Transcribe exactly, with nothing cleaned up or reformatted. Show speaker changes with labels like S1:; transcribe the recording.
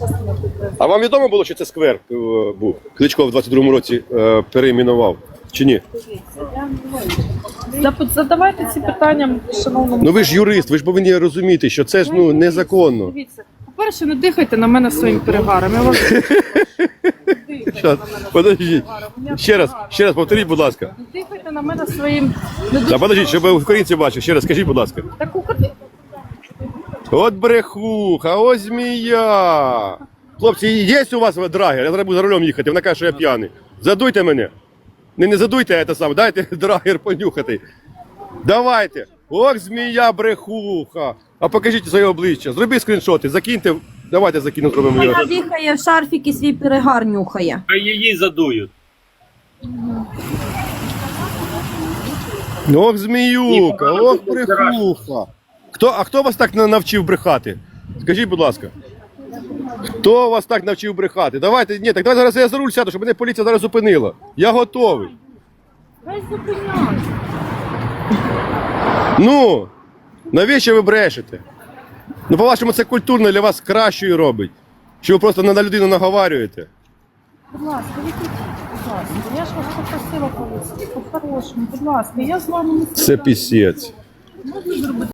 S1: А вам відомо було, що це сквер е, був? Кличко в двадцять другому році е, перейменував, чи ні?
S2: Задавайте ці питання шановному.
S1: Ну ви ж юрист, ви ж повинні розуміти, що це ж ну незаконно.
S2: Дивіться, по-перше, не дихайте на мене своїм перегаром. Я вас
S1: Щас, подождіть. Ще раз, ще раз повторіть, будь ласка.
S2: не дихайте на мене своїм. Не
S1: Та
S2: дуже-
S1: подождіть, щоб українці бачили. Ще раз скажіть, будь ласка.
S2: Так укрити.
S1: От брехуха, ось змія. Хлопці, є у вас драгер? Я зараз буду за рулем їхати, вона каже, що я п'яний. Задуйте мене. Не, не задуйте це саме, дайте драгер понюхати. Давайте. Ох, змія брехуха. А покажіть своє обличчя. Зробіть скріншоти, закиньте. Давайте закину, зробимо його.
S3: Вона дихає в шарфік і свій перегар нюхає.
S4: Хай її задують.
S1: Ох, зміюка, ох, брехуха. Хто, а хто вас так на- навчив брехати? Скажіть, будь ласка. Хто вас так навчив брехати? Давайте, ні, так давайте зараз я за руль сяду, щоб мене поліція зараз зупинила. Я готовий.
S2: Хай зупиняйся.
S1: Ну, навіщо ви брешете? Ну, по-вашому, це культурно для вас кращою робить. Що ви просто на на людину наговарюєте.
S2: Будь ласка, відійдіть, будь ласка. Я ж вас попросила повісти. По-хорошому, будь ласка, я з вами не
S1: Це пісець.